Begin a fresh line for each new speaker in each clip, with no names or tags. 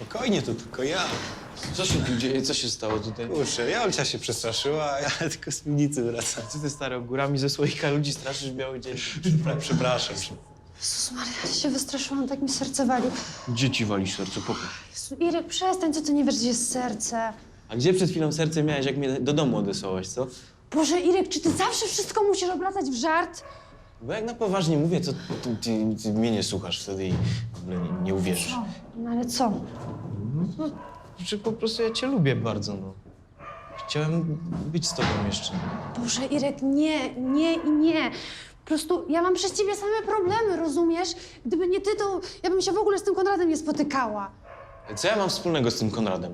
Spokojnie, to tylko ja.
Co się tu dzieje? Co się stało tutaj?
Kurczę, Jolcia się przestraszyła, a ja tylko z piwnicy wracam.
Co ty, stary, górami ze słoika ludzi straszysz w biały dzień?
Przepraszam.
Jezus Maria, ja się wystraszyłam, tak mi serce wali.
Gdzie ci wali serce? Pokaż.
Jezu, Irek, przestań, co ty nie wiesz, gdzie jest serce?
A gdzie przed chwilą serce miałeś, jak mnie do domu odesłałaś, co?
Boże, Irek, czy ty zawsze wszystko musisz obracać w żart?
Bo jak na poważnie mówię, to ty mnie nie słuchasz wtedy i w ogóle nie uwierzysz.
O, no ale co?
Że po prostu ja cię lubię bardzo, no. Chciałem być z tobą jeszcze.
Boże, Irek, nie, nie i nie. Po prostu ja mam przez ciebie same problemy, rozumiesz? Gdyby nie ty, to ja bym się w ogóle z tym Konradem nie spotykała.
Co ja mam wspólnego z tym Konradem?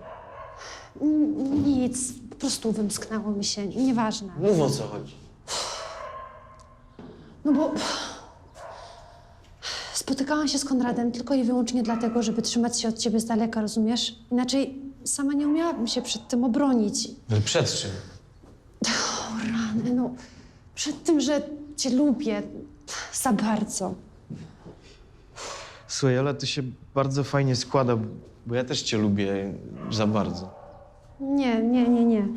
Nic, po prostu wymsknęło mi się, nieważne.
Mów, o co chodzi.
No bo spotykałam się z Konradem tylko i wyłącznie dlatego, żeby trzymać się od ciebie z daleka, rozumiesz? Inaczej sama nie umiałabym się przed tym obronić.
No przed czym?
O rany, no przed tym, że cię lubię za bardzo.
Słuchaj, ale to się bardzo fajnie składa, bo ja też cię lubię za bardzo.
Nie, nie, nie, nie.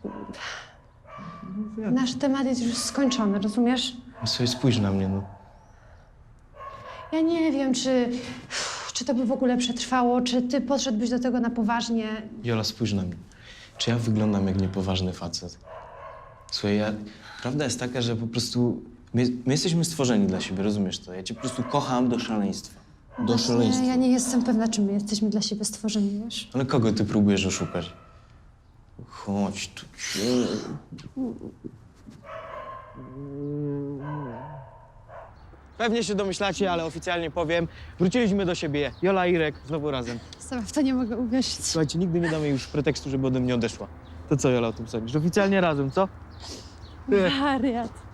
Nasz temat jest już skończony, rozumiesz?
Słuchaj, spójrz na mnie, no.
Ja nie wiem, czy to by w ogóle przetrwało, czy ty podszedłbyś do tego na poważnie.
Jola, spójrz na mnie. Czy ja wyglądam jak niepoważny facet? Słuchaj, prawda jest taka, że po prostu my jesteśmy stworzeni dla siebie, rozumiesz to? Ja cię po prostu kocham do szaleństwa. Do szaleństwa.
Ja nie jestem pewna, czy my jesteśmy dla siebie stworzeni, wiesz?
Ale kogo ty próbujesz oszukać? Chodź tu.
Pewnie się domyślacie, ale oficjalnie powiem. Wróciliśmy do siebie. Jola i Irek znowu razem.
Sama w to nie mogę uwierzyć.
Słuchajcie, nigdy nie damy jej już pretekstu, żeby ode mnie odeszła. To co, Jola, o tym sądzisz? Oficjalnie razem, co?
Wariat.